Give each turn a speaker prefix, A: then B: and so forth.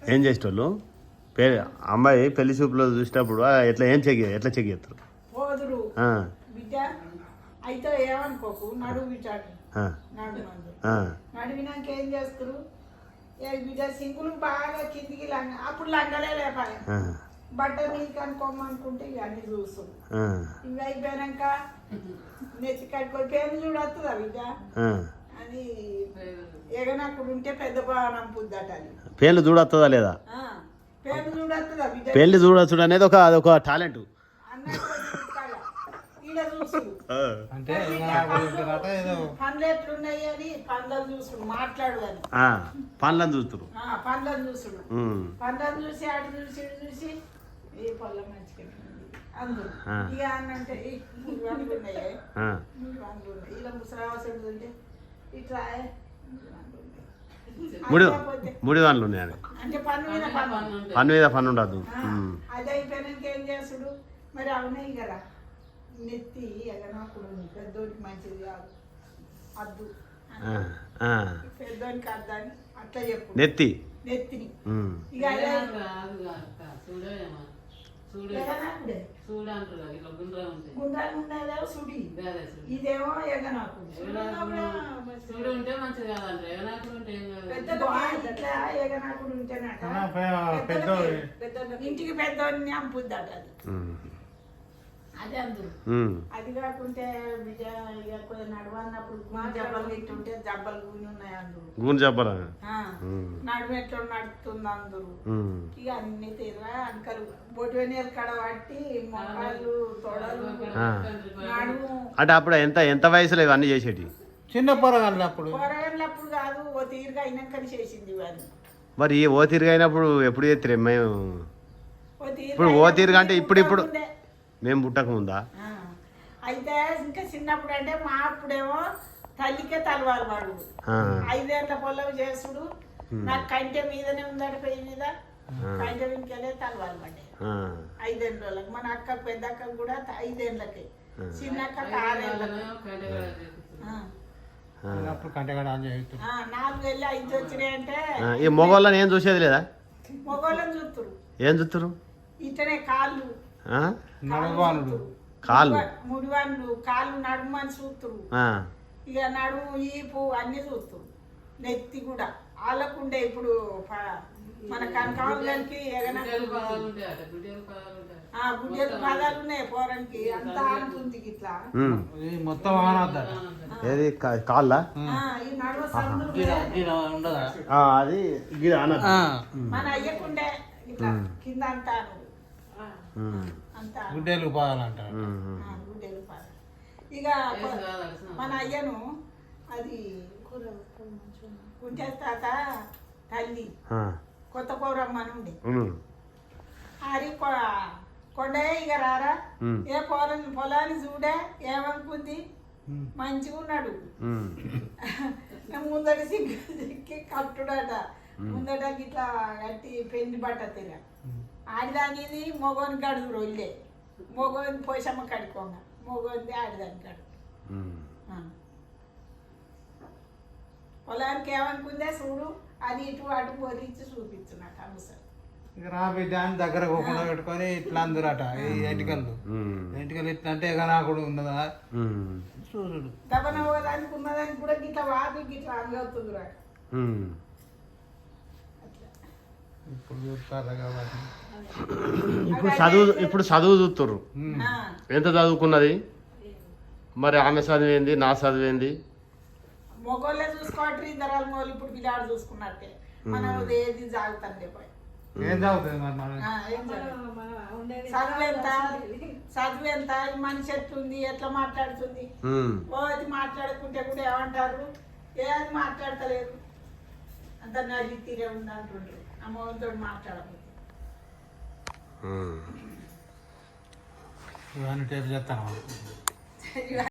A: ఏం చేసేటోళ్ళు అమ్మాయి పెళ్లి చూపులో చూసినప్పుడు ఎట్లా ఎట్లా చెక్ చేస్తారు?
B: పోదురు బిడ్డ అయితే ఏమనుకోకు నడువు బిడ్డాడు నడివినాక ఏం చేస్తారు? బిడ్డ సింగులు బాగా కిందికి అప్పుడు లంగలే లేపాలి బట్ట నీకు అనుకోమనుకుంటే ఇక అన్ని చూస్తాం. ఇవి అయిపోయాక నెత్తి కట్టుకొని పేరు చూడొస్తుందా బిడ్డ అది ఎగనప్పుడు ఉంటే పెద్ద బాగా పుద్దట అది
A: పేర్లు చూడొస్తుందా లేదా?
B: పేరు చూడొస్తుందా బిడ్డ?
A: పేర్లు చూడొచ్చు అనేది ఒక టాలెంట్
B: అంటే పండ్లు ఎట్లున్నాయి అని పండ్లను చూసుడు మాట్లాడు అని
A: పండ్లను చూస్తురు
B: పండ్లను చూసుడు పండ్లను చూసి అటు చూసి ఇటు చూసి ఏ పళ్ళ మంచిగా అందరు ఇక అన్నంటే పండ్లు ఉన్నాయి పండ్లు ఉన్నాయి ఇలా ముసరావసరం ఉంటే ఇట్లా
A: ముడి పండ్లు ఉన్నాయి
B: అంటే
A: పన్ను మీద పన్ను ఉండదు.
B: అది అయిపోయినాక ఏం చేస్తుడు మరి అవునాయి కదా నెత్తి ఎగనప్పుడు పెద్దోడికి మంచిది కాదు అద్దు పెద్దోడికి అద్దని అట్లా చెప్పు నెత్తిని ఇక గుండ్రాలు ఉండేదేమో సుడి ఇదేమో ఎగనాకుడు ఎగనాకుడు ఉంటేనట ఇంటికి పెద్దోడిని అంపుద్దట అది అదే అందరు అది కాకుంటే నడవన్నప్పుడు జబ్బలు తింటుంటే జబ్బలు గుని ఉన్నాయి అందరు నడుము ఎట్లా నడుతుంది అందరు ఇక అన్ని తీరా అంకలు బొటి వెనీరు కడ పట్టి మొక్కలు తొడలు నడుము
A: అంటే అప్పుడు ఎంత వయసులో ఇవన్నీ చేసేటి?
C: చిన్న పొరగళ్ళప్పుడు
B: కాదు ఓ తీరుగా అయినాకని చేసింది ఇవన్నీ.
A: మరి ఓ తీరుగా అయినప్పుడు ఎప్పుడు చేస్తారు? మేము ఇప్పుడు ఓ తీరుగా అంటే ఇప్పుడు మేము పుట్టక ముందా?
B: అయితే ఇంకా చిన్నప్పుడు అంటే మా అప్పుడేమో తల్లికే తలవారు వాడు 5 ఏళ్ల పొలం చేసుడు నాకు కంటె మీదనే ఉందట పెయ్యి మీద కంటె వెనుకలే తలవారు పడ్డాయి 5 ఏళ్ళకి. మన అక్క పెద్ద అక్క కూడా 5 ఏళ్ళకి, చిన్న అక్క 6 ఏళ్ళకి. 4 ఏళ్ళు 5 వచ్చినాయంటే
A: ఈ మొగోళ్ళని ఏం చూసేది లేదా?
B: మొగోళ్ళని చూస్తురు.
A: ఏం చూస్తురు?
B: ఇతనే కాళ్ళు ముడివాళ్ళు కాళ్ళు నడుము అని చూస్తురు. ఇక నడుము ఈపు అన్ని చూస్తురు. నెత్తి కూడా వాళ్ళకుండే ఇప్పుడు మన కనకాలకి గుడ్డెలు పాదాలు ఉన్నాయి పోరానికి అంత ఆడుతుంది ఇట్లా
C: మొత్తం
A: ఏది కాళ్ళ
B: ఈ నడుము సందులు
A: అది
B: మన అయ్యకుండే ఇట్లా కింద అంతా
C: గుడ్డెలు పాదాలంటారు.
B: ఇక మన అయ్యను అది కుంటే తాత తల్లి కొత్త పౌరమ్మని ఉండే అది కొండే ఇక రారా ఏ పొలాన్ని చూడే ఏమనుకుంది మంచిగా ఉన్నాడు ముందటి సిక్కి కట్టుడట ముందట ఇట్లా కట్టి పెళ్లి బట్ట తిరా ఆడిదానిది మొగోని కడుగు రొల్లే మొగోని పోషమ్మ కడుకోంగ మొగోంది ఆడిదాని కడుగు పొలానికి ఏమనుకుందే చూడు అది ఇటు అటు బొరించి చూపించు నాకు అవసరం.
C: ఇక రా బిడ్డ అని దగ్గర పోకుండా పెట్టుకొని ఇట్లా అందరట ఈ ఎంటికలు ఇట్లా అంటే ఇక నాకుడు ఉన్నదా చూడు
B: దబన పోదానికి ఉన్నదానికి కూడా గిట్లా వాపి గిట్లా అందుతుంది రా.
C: ఇప్పుడు చూస్తారు కాబట్టి
A: ఇప్పుడు చదువు చూస్తుర్రు. ఎంత చదువుకున్నది మరి? ఆమె చదివేంది, నా చదివేంది?
B: మొగోళ్ళే చూసుకోవట్రీ ఇద్దరు మొగోళ్ళు ఇప్పుడు పిల్లాడు చూసుకున్నట్టే మనం ఏది జాగుతాండే పోయి
C: ఏం చదువుతుంది
B: చదువు ఎంత మనిషి ఎట్లుంది ఎట్లా మాట్లాడుతుంది అది మాట్లాడుకుంటే కూడా ఏమంటారు ఏది మాట్లాడతలేదు అంత నది తీరే ఉంది అంటుండ్రు అమ్మతో మాట్లాడకపోతే
C: ఇవన్నీ టేపు చేస్తాను.